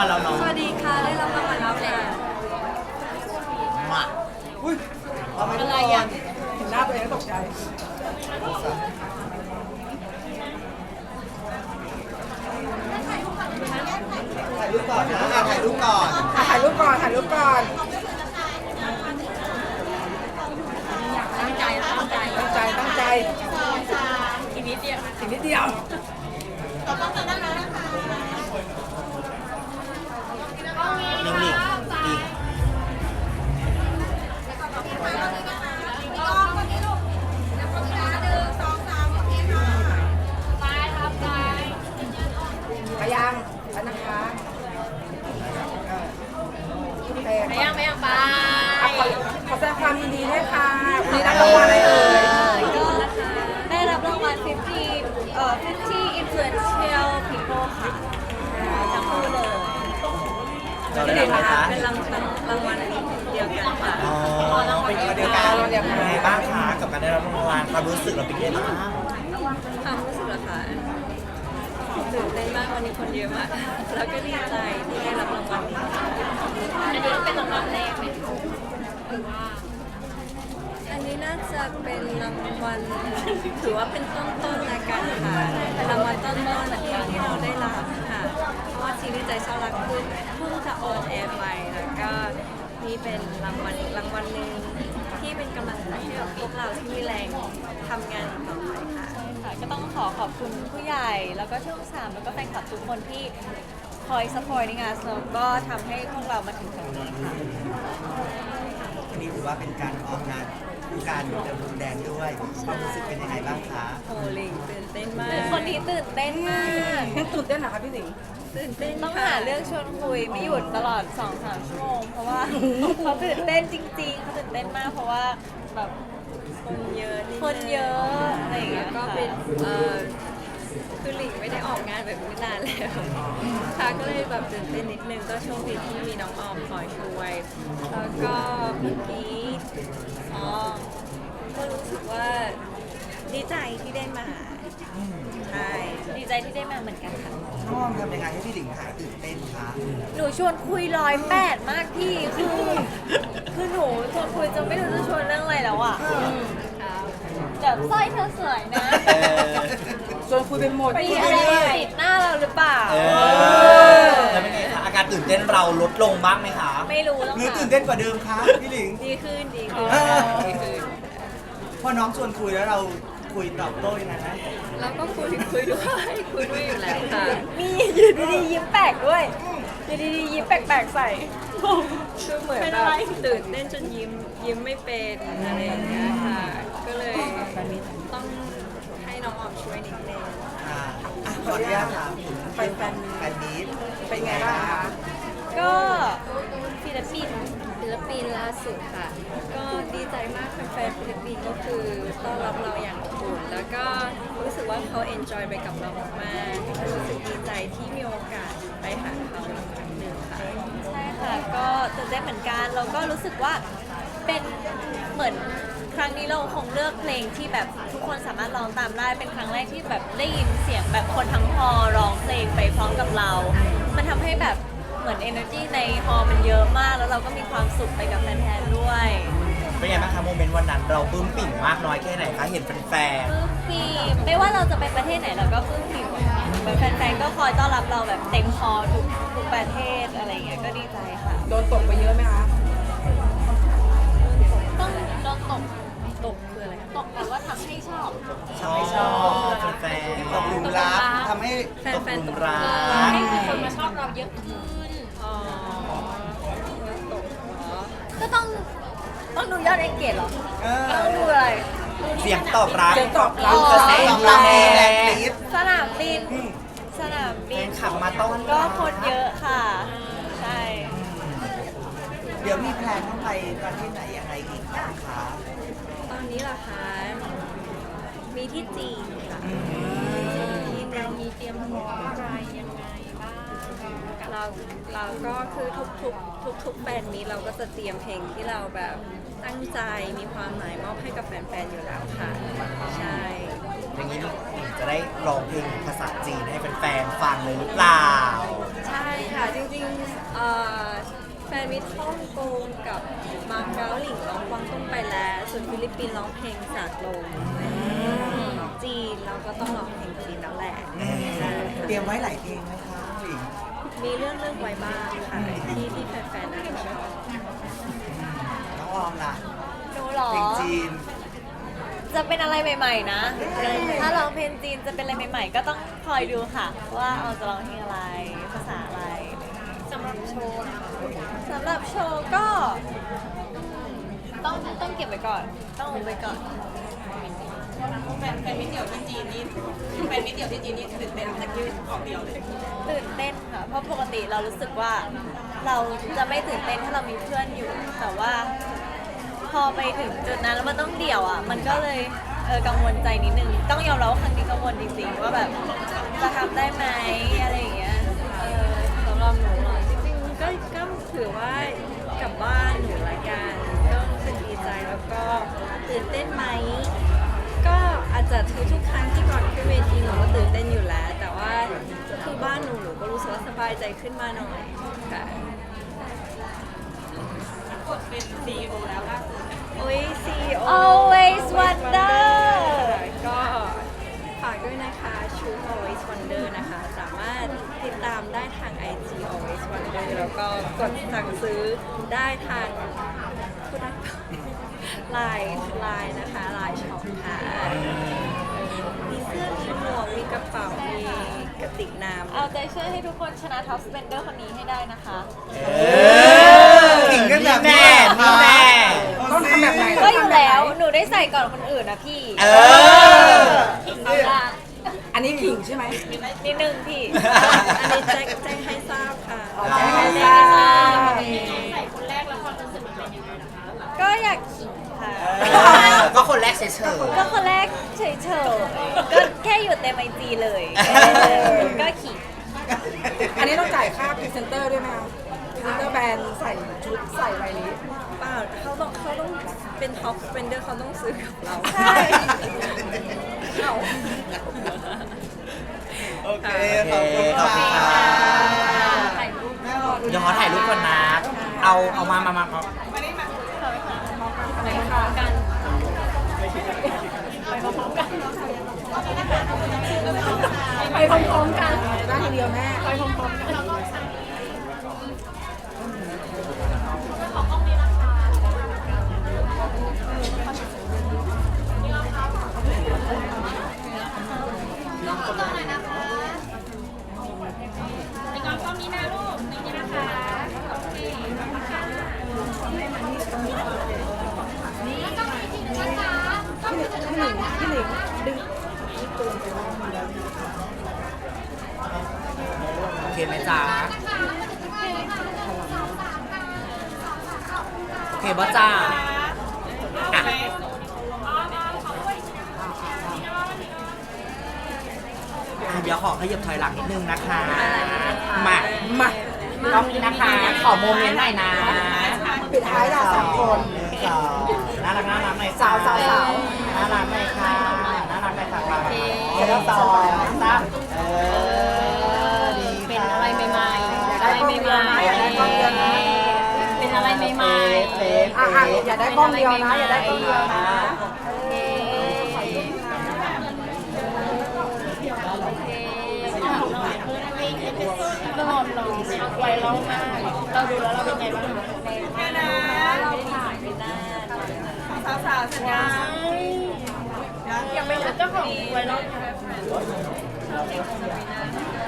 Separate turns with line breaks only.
แล้วเนาะ
สวัสดีค่ะได้รับรางวัลแล้วแหละ
มาอุ้ยเอาไปอะไรอ่ะเห็นหน้าตัวเองก็ตกใจถ่ายรูปก่อนนะถ่ายรูปก่อนถ่ายรูปก่อนถ่ายรูปก่อน
ตั้งใจตั้งใจ
ตั้งใจตั้งใจ
อีกนิดเดียว
อีกนิดเดียวนิ่งๆดีไปยังไปนะคะ
ไม่ยังไป
ขอแสดงความยินดีด้วยค่ะวันนี้ได้รางวัลอะไรเอ่ย
ก็ได้รับรางวัล50 influential people ค่ะทั้งคู่เลย
เราได้รางวัลคะ
เป็นรางวัลเดียวกันค่ะ
อ๋อเป็นคนเดียวกันเป็นไงบ้างคะกับการได้รับรางวัลความรู้สึกเราเป็นไงบ้าง
ความรู้สึกเหรอคะตื่นเต้นมากวันนี้คนเยอะมากแล้วก็ดีใจที่ได้รับรางวัลนี้อันนี้เป็นรางวัลแรกไหมหรือว่าอันนี้น่าจะเป็นรางวัลถือว่าเป็นต้นๆละกันค่ะเป็นรางวัลต้นๆที่เราได้รับค่ะเพราะว่าซีรีส์ใจเช่ารักขึ้นเพิ่งจะออนแอร์ไปแล้วก็นี่เป็นรางวัลหนึ่งที่เป็นกำลังใจให้กับพวกเราที่มีแรงทำงานต่อไปค่ะก็ต้องขอบคุณผู้ใหญ่แล้วก็ช่อง3แล้วก็แฟนคลับทุกคนที่คอยซัพพอร์ตในงานแล้วก็ทำให้พวกเรามาถึงตรงนี้ค่ะ
อันนี้ถือว่าเป็นการออกงานการเดินพรมแดงด้วยความรู้สึกเป็นยังไงบ้างคะ
โอ้ลิงตื่นเต้นมากคนนี้ตื่นเต้นมาก
ตื่นเต้นเหรอคะพี่สิงห์
ตื่นเต้นต้องหาเรื่องชวนคุยไม่หยุดตลอด 2-3 ชั่วโมงเพราะว่าเขาตื่นเต้นจริงๆเขาตื่นเต้นมากเพราะว่าแบบคนเยอะอะไรอย่างเงี้ยก็เป็นคือหลิงไม่ได้ออกงานแบบนี้นานแล้วค่ะก็เลยแบบตื่นเต้นนิดนึงก็โชคดีที่มีน้องออมคอยช่วยแล้วก็เมื่อกี้ก็รู้สึกว่าดีใจที่ได้มาใช่ดีใจที่ได้มาเหมือนกันค่ะ
น้องออมทำยังไงให้พี่หลิงหายตื่นเต้นคะ
หนูชวนคุย108มากพี่คือหนูชวนคุยจะไม่รู้จะชวนเรื่องอะไรแล้วอ่ะแบบสร้อยเธอสวยนะ
ชวนคุยเป็นหมด
มีอะไรติดหน้าเราหรือเปล่า
แล้วเป็นไงคะอาการตื่นเต้นเราลดลงบ้างไหมคะ
ไม่รู้ต้อง
หรือตื่นเต้นกว่าเดิมคะพี่หลิง
ดีขึ้น
พอน้องชวนคุยแล้วเราคุยตอบโต้ยังไงนะ
แล้วก็คุยด้วยอยู่แล้วค่ะมีอยู่ดีๆยิ้มแปลกด้วยอยู่ดีๆยิ้มแปลกๆใส่คือเหมือนแบบตื่นเต้นจนยิ้มไม่เป็นอะไรอย่างเงี้ยค่ะก็เลยต้องให้น้องออมช่วยนิดนึง
ขออนุญาตถามถึงแฟนมีตเป็นไงบ้างคะ
ก็ฟิลิปปินส์ล่าสุดค่ะ ก็ดีใจมากแฟนๆฟิลิปปินส์ก็คือต้อนรับเราอย่างอบอุ่นแล้วก็รู้สึกว่าเขาเอนจอยไปกับเรามากๆรู้สึกดีใจที่มีโอกาสไปหาเขาอีกครั้งหนึ่งค่ะใช่ค่ะก็ตื่นเต้นเหมือนกันแล้วก็รู้สึกว่าเป็นเหมือนครั้งนี้เราคงเลือกเพลงที่แบบทุกคนสามารถร้องตามได้เป็นครั้งแรกที่แบบได้ยินเสียงแบบคนทั้งฮอลล์ร้องเพลงไปพร้อมกับเรา มันทำให้แบบเหมือน energy ในฮอลล์มันเยอะมากแล้วเราก็มีความสุขไปกับแฟนๆด้วย
เป็นไงบ้างคะโมเมนต์วันนั้นเราปลื้มปิ่มมากน้อยแค่ไหนคะเห็นแฟน
ปลื้มปีไม่ว่าเราจะไปประเทศไหนเราก็ปลื้มปีแฟนๆก็คอยต้อนรับเราแบบเต็มฮอลล์ทุกประเทศอะไรอย่างเงี้ยก็ดีใจค่ะ
ๆโดนตกไปเยอะไหมคะ
ต้องโดนตกคืออะไรตกแปลว่าทำให้ชอบ
ชอบแฟนตกหลุมรักทำให้ตกหลุมรัก
ให้คนมาชอบเราเยอะขึ้นอ๋อตกเหรอก็ต้องดูยอดเอ็นเกจเหรอต้องดูอะไร
เสียงตอบรับ
เสียงตอบรับ
กระแสตอบรับแรงกรี๊ด
สนามบิน
แฟนขับมาต้อน
ก็คนเยอะค่ะ ใช่
เดี๋ยวมีแพลนต้องไปประเทศไหนยังไงอีกนะคะ
ตอนนี้เหรอคะมีที่จีนค่ะที่เรามีเตรียมตัวอะไรยังไงบ้างเราก็คือทุกแบรนด์นี้เราก็จะเตรียมเพลงที่เราแบบตั้งใจมีความหมายมอบให้กับแฟนๆอยู่แล้วค่ะใช่
อย่างนี้จะได้ร้องเพลงภาษาจีนให้แฟนๆฟังเลยหรือเปล่า
ใใช่ค่ะ จริงแฟนมิตรฮ่องกงกับมาเก๊าหลิงร้องกวางตุ้งไปแล้วส่วนฟิลิปปินส์ร้องเพลงจากลงจีนเราก็ต้องร้องเพลงจีนแล้วแหละใช่ค่ะ
เตรียมไว้หลายเพลงไหมคะหลิง
มีเรื่องไว้บ้างค่ะที่แฟนๆน่าจะชอบ
น้องออมล่ะ
หนูเหรอ
เพลงจีน
จะเป็นอะไรใหม่ๆนะ ถ้าร้องเพลงจีนจะเป็นอะไรใหม่ๆ ก็ต้องคอยดูค่ะ ว่าเอาจะร้องเพลงอะไร ภาษาอะไรสำหรับโชว์สำหรับโชว์ก็ต้องเก็บไว้ก่อน ต้องอุบไว้ก่อน
แฟนมิตรเดี่ยวที่จีนนี่แฟนมิตรเดี่ยวที่จีนนี่ตื่นเต้นแต่คิวออกเดียวเลย
ตื่นเต้นค่ะ เพราะปกติเรารู้สึกว่าเราจะไม่ตื่นเต้นถ้าเรามีเพื่อนอยู่ แต่ว่าพอไปถึงจุดนั้นแล้วมันต้องเดี่ยวอ่ะ มันก็เลยกังวลใจนิดนึง ต้องยอมรับว่าครั้งนี้กังวลจริงๆว่าแบบจะทำได้ไหมอะไรอย่างเงี้ย
สำหรับหนูเหรอจริงๆก็ถือว่ากลับบ้านหนูละกันก็รู้สึกดีใจแล้วก็ตื่นเต้นไหมก็อาจจะทุกครั้งที่ก่อนขึ้นเวทีหนูก็ตื่นเต้นอยู่แล้ว แต่ว่าคือบ้านหนูก็รู้สึกว่าสบายใจขึ้นมาหน่อยค่ะ
กดเป็น CEO แล้วล่าสุด
โอ้ย CEO
Always Wonder
ก็ฝากด้วยนะคะชุด Always Wonder นะคะ สามารถติดตามได้ทาง IG Always Wonder แล้วก็กดสั่งซื้อได้ทางพูดได้ปะไลน์นะคะไลน์ช็อปค่ะมีเสื้อมีหมวกมีกระเป๋ามีกระติกน้ำ
เอาใจช่วยให้ทุกคนชนะท็อปสเปนเดอร์คนนี้ให้ได้นะคะ
ขิงกันแบบนี้ต้องทำแบบไหน
ก็อยู่แล้ว หนูได้ใส่ก่อนคนอื่นนะพี่
ขิงเขาละ
อันนี้ขิงใช่ไหม
นิดนึงพี่
อันนี้แจ้งให้ทราบค่ะ
แจ้งให้ทราบ
ใส่คนแรกแล้วความรู้สึกมันเป็นยังไงนะคะ
ก็อยากขิงค่ะ
ก็คนแรกเฉย
ก็คนแรกเฉยๆ ก็แค่อยู่เต็มไอจีเลยก็ขิง
อันนี้ต้องจ่ายค่าพรีเซนเตอร์ด้วยไหมคะพรีเซนเตอร์แบรนด์ใส่ชุดใส่ไวลิส
เปล่าเขาต้องเป็นท็อปสเปนเดอร์เขาต้องซื้อกับเรา
ใช่
โอเค ขอบคุณค่ะ
ถ่ายรูป
เดี๋ยวขอถ่ายรูปก่อนนะ เอามา
ไปพร้อมกันไปพร้อมกัน
ได้ทีเดียวแม่
ไปพร้อมๆกัน
ในกองกล้องนี้นะลูกนี่นะคะโอเคขอบคุณค่ะ
โอเคไหมจ๊ะโอเคบ่จ้าอ่ะเดี๋ยวขอขยับถอยหลังนิดนึงนะคะ มาต้องนี้นะคะ ขอโมเมนต์หน่อยนะ
ปิดท้ายเราสองคน
น่ารักหน่อย
สาว
น่ารักหน่อยค่ะน่ารักหน่อยค่ะมาแล้วสองสามดี
เป็นอะไรใหม่ๆอะไรใหม่ๆเป็นอะไรใหม่ๆ
อ่ะอย่าได้กล้องเดียวนะ อย่าได้กล้องเดียวนะ
ตลอดหล่อไวเรามากเราดูแล้วเราเป็นไงบ้างแม่นะ
เราถ่ายไปหน้า
สาวๆสัญญายังไม่รู้เจ้าของไวรัล
ชอบเด็กสปีน่า